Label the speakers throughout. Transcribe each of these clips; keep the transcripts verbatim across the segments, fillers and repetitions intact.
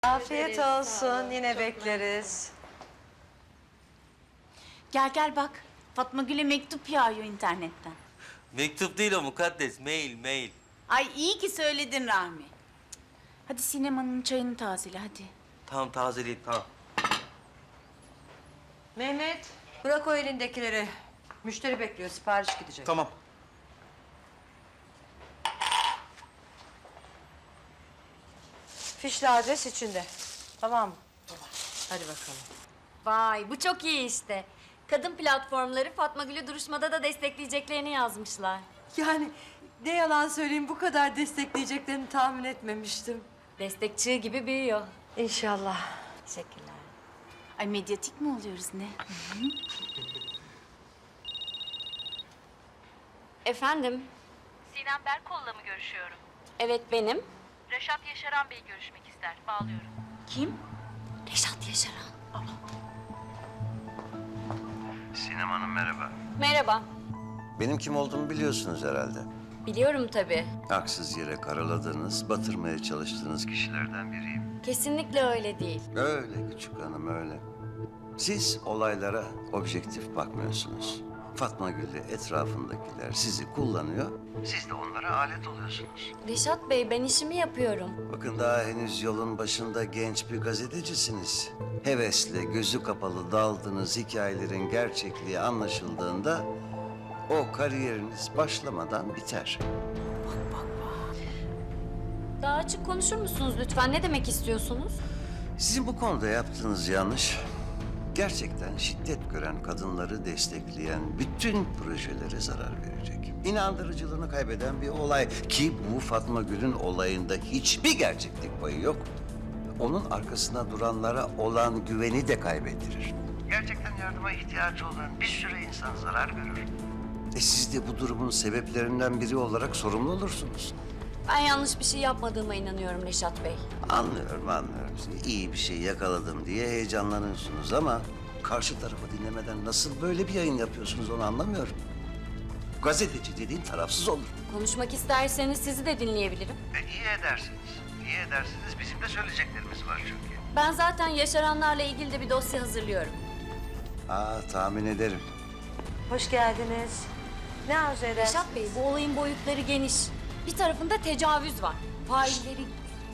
Speaker 1: Afiyet olsun. Yine bekleriz.
Speaker 2: Gel gel bak. Fatma Gül'e mektup yağıyor internetten.
Speaker 3: Mektup değil o mukaddes. Mail, mail.
Speaker 2: Ay iyi ki söyledin Rahmi. Hadi sinemanın çayını tazele hadi.
Speaker 3: Tamam tazeleyeyim tamam.
Speaker 1: Mehmet, bırak o elindekileri. Müşteri bekliyor, sipariş gidecek.
Speaker 4: Tamam.
Speaker 1: Fişli adres içinde. Tamam mı? Hadi bakalım.
Speaker 5: Vay bu çok iyi işte. Kadın platformları Fatma Gül'ü duruşmada da destekleyeceklerini yazmışlar.
Speaker 1: Yani ne yalan söyleyeyim, bu kadar destekleyeceklerini tahmin etmemiştim.
Speaker 5: Destekçi gibi büyüyor.
Speaker 1: İnşallah.
Speaker 5: Teşekkürler.
Speaker 2: Ay medyatik mi oluyoruz ne?
Speaker 5: Efendim?
Speaker 6: Sinem Berkol'la mı görüşüyorum?
Speaker 5: Evet benim.
Speaker 6: Reşat Yaşaran Bey görüşmek ister. Bağlıyorum.
Speaker 2: Kim?
Speaker 5: Reşat Yaşaran.
Speaker 7: Sinem Hanım merhaba.
Speaker 5: Merhaba.
Speaker 7: Benim kim olduğumu biliyorsunuz herhalde.
Speaker 5: Biliyorum tabii.
Speaker 7: Haksız yere karaladığınız, batırmaya çalıştığınız kişilerden biriyim.
Speaker 5: Kesinlikle öyle değil.
Speaker 7: Öyle küçük hanım öyle. Siz olaylara objektif bakmıyorsunuz. Fatma Gül'le etrafındakiler sizi kullanıyor. Siz de onlara alet oluyorsunuz.
Speaker 5: Reşat Bey ben işimi yapıyorum.
Speaker 7: Bakın daha henüz yolun başında genç bir gazetecisiniz. Hevesle gözü kapalı daldığınız hikayelerin gerçekliği anlaşıldığında o kariyeriniz başlamadan biter.
Speaker 5: Daha açık konuşur musunuz lütfen? Ne demek istiyorsunuz?
Speaker 7: Sizin bu konuda yaptığınız yanlış, gerçekten şiddet gören kadınları destekleyen bütün projelere zarar verecek. İnandırıcılığını kaybeden bir olay ki bu Fatma Gül'ün olayında hiçbir gerçeklik payı yok. Onun arkasında duranlara olan güveni de kaybettirir. Gerçekten yardıma ihtiyacı olan bir sürü insan zarar görür. E siz de bu durumun sebeplerinden biri olarak sorumlu olursunuz.
Speaker 5: Ben yanlış bir şey yapmadığıma inanıyorum Reşat Bey.
Speaker 7: Anlıyorum, anlıyorum. Siz iyi bir şey yakaladım diye heyecanlanıyorsunuz ama karşı tarafı dinlemeden nasıl böyle bir yayın yapıyorsunuz onu anlamıyorum. Gazeteci dediğin tarafsız olur.
Speaker 5: Konuşmak isterseniz sizi de dinleyebilirim.
Speaker 7: E, iyi edersiniz. İyi edersiniz. Bizim de söyleyeceklerimiz var çünkü.
Speaker 5: Ben zaten yaşaranlarla ilgili de bir dosya hazırlıyorum.
Speaker 7: Aa, tahmin ederim.
Speaker 1: Hoş geldiniz. Ne arzu edersiniz?
Speaker 5: Reşat Bey, bu olayın boyutları geniş. Bir tarafında tecavüz var. Failleri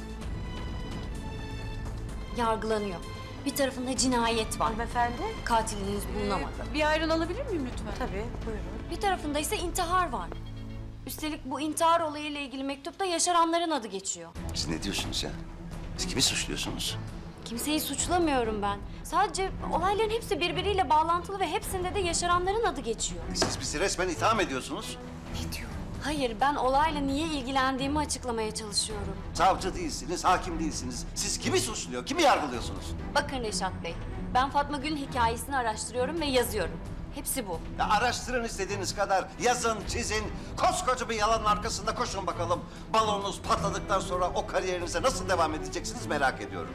Speaker 5: yargılanıyor. Bir tarafında cinayet var.
Speaker 1: Hanımefendi?
Speaker 5: Katiliniz bulunamadı.
Speaker 2: Bir ayran alabilir miyim lütfen?
Speaker 1: Tabii, buyurun.
Speaker 5: Bir tarafında ise intihar var. Üstelik bu intihar olayıyla ilgili mektupta yaşaranların adı geçiyor.
Speaker 7: Siz ne diyorsunuz ya? Siz kimi suçluyorsunuz?
Speaker 5: Kimseyi suçlamıyorum ben. Sadece olayların hepsi birbiriyle bağlantılı ve hepsinde de yaşaranların adı geçiyor.
Speaker 7: Siz bizi resmen itham ediyorsunuz.
Speaker 5: Hayır, ben olayla niye ilgilendiğimi açıklamaya çalışıyorum.
Speaker 7: Savcı değilsiniz, hakim değilsiniz. Siz kimi suçluyor, kimi yargılıyorsunuz?
Speaker 5: Bakın Reşat Bey, ben Fatma Gül'ün hikayesini araştırıyorum ve yazıyorum. Hepsi bu.
Speaker 7: Ya araştırın istediğiniz kadar, yazın, çizin. Koskoca bir yalanın arkasında koşun bakalım. Balonunuz patladıktan sonra o kariyerinize nasıl devam edeceksiniz merak ediyorum.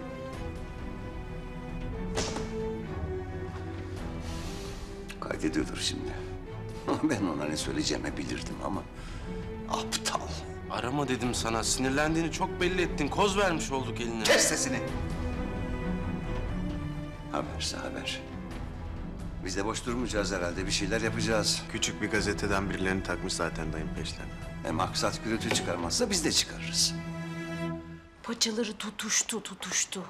Speaker 7: Kaydediyordur şimdi. Ben ona ne söyleyeceğimi bilirdim ama aptal.
Speaker 3: Arama dedim sana. Sinirlendiğini çok belli ettin. Koz vermiş olduk eline.
Speaker 7: Kes sesini. Haberse haber. Biz de boş durmayacağız herhalde. Bir şeyler yapacağız.
Speaker 4: Küçük bir gazeteden birilerini takmış zaten dayım peşlerine.
Speaker 7: E maksat gürültü çıkarmazsa biz de çıkarırız.
Speaker 2: Paçaları tutuştu tutuştu.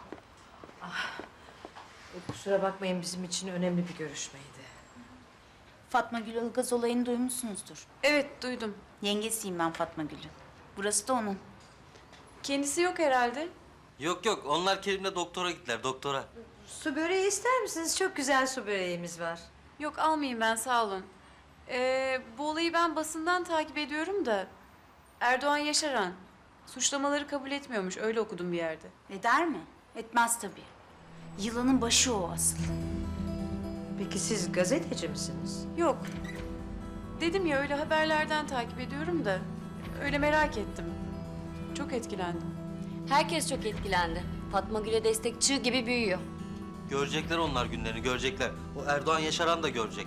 Speaker 1: Kusura bakmayın, bizim için önemli bir görüşmeydi.
Speaker 2: Fatma Gül Ilgaz olayını duymuşsunuzdur.
Speaker 8: Evet, duydum.
Speaker 2: Yengesiyim ben Fatma Gül'ün. Burası da onun.
Speaker 8: Kendisi yok herhalde.
Speaker 3: Yok yok onlar Kerim'le doktora gittiler doktora.
Speaker 1: Su böreği ister misiniz? Çok güzel su böreğimiz var.
Speaker 8: Yok, almayayım ben, sağ olun. Ee, bu olayı ben basından takip ediyorum da... Erdoğan Yaşaran suçlamaları kabul etmiyormuş, öyle okudum bir yerde.
Speaker 2: Eder mi? Etmez tabii. Yılanın başı o asıl.
Speaker 1: Peki siz gazeteci misiniz?
Speaker 8: Yok. Dedim ya, öyle haberlerden takip ediyorum da... Öyle merak ettim. Çok etkilendim.
Speaker 5: Herkes çok etkilendi. Fatma Gül'e destekçi gibi büyüyor.
Speaker 3: Görecekler onlar günlerini görecekler. O Erdoğan Yaşaran da görecek.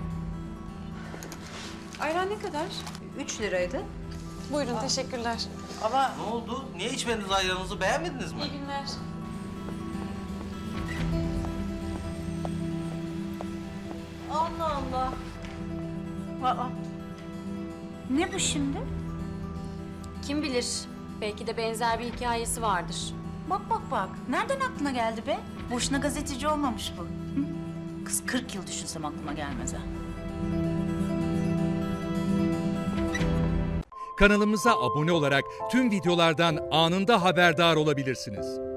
Speaker 8: Ayran ne kadar?
Speaker 1: Üç liraydı.
Speaker 8: Buyurun, teşekkürler.
Speaker 9: Ama
Speaker 3: Ne oldu? Niye içmediniz ayranınızı? Beğenmediniz mi?
Speaker 8: İyi günler.
Speaker 1: Allah Allah.
Speaker 2: Aa, ne bu şimdi?
Speaker 5: Kim bilir, belki de benzer bir hikayesi vardır.
Speaker 2: Bak bak bak. Nereden aklına geldi be? Boşuna gazeteci olmamış bu. Hı? Kız kırk yıl düşünsem aklıma gelmez ha.
Speaker 10: Kanalımıza abone olarak tüm videolardan anında haberdar olabilirsiniz.